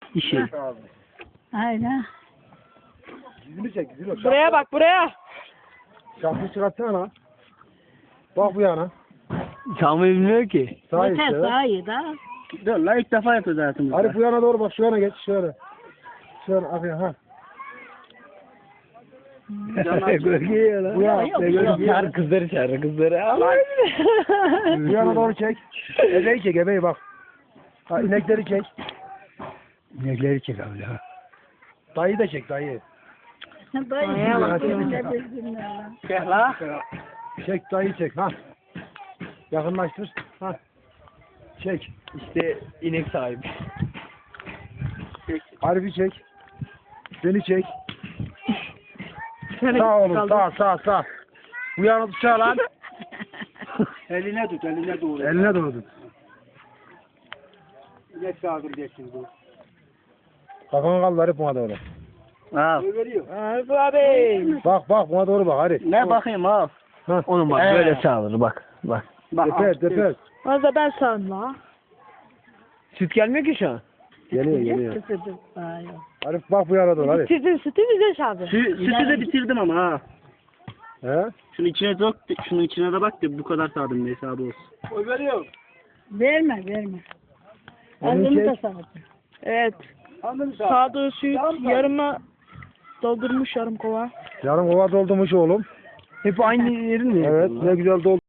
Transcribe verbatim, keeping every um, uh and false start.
İşi. Aynen. Dizini çek, dizini çek. Buraya bak buraya. Şapkayı çıkartsana lan. Bak bu yana. Çalmayı bilmiyor ki. Sağ Yeter işte. daha iyi daha. Dur lan ilk defa yapıyoruz hayatımızda. Arif bu yana doğru bak, şu yana geç, şöyle. Şöyle, abi ha. Gölgeye lan. Bu yana, Yok, ne yok. Çağır kızları çağır kızları. Bu yana doğru çek. Ebeyi çek, ebeyi bak. Ha, inekleri çek. İnekleri çek abi ya. Dayı da çek, dayı. Dayı bak. ne bilsinler lan. Çek la. Çek, dayı çek, ha. Yakınlaştır, ha. Çek. İşte inek sahibi. Arif'i çek. Beni çek. Sağ olun, sağ, sağ, sağ. Bu yana tutacağı lan. Eline tut eline doğru. Eline doğru tut. İnek sağdıracaksın bu. Kafanı kaldır Arif, buna doğru. Al. Arif abi. Bak bak, buna doğru bak Arif. Ne bakayım al. Ha. Onun bak Ee. böyle sağılır bak. Bak. Bak. Tepe, tepe. Az da ben sandım la. Süt gelmiyor ki şu an. Geliyor, geliyor. Kısırdı. Ay. Arif bak bu yana doğru, Arif. Bitirdin sütü bize çaldı. Sü sütü de bitirdim ama ha. He? Şunu içine dök, şunun içine de bak da bu kadar sağdım bir hesabı olsun. Oy veriyor. Verme verme. Onu Ağzını çek. da sağdı. Evet. Anladın sağ. Sağdığı süt yarıma doldurmuş yarım kova. Yarım kova doldurmuş oğlum. Hep aynı yerin mi? Evet, ne güzel doldu.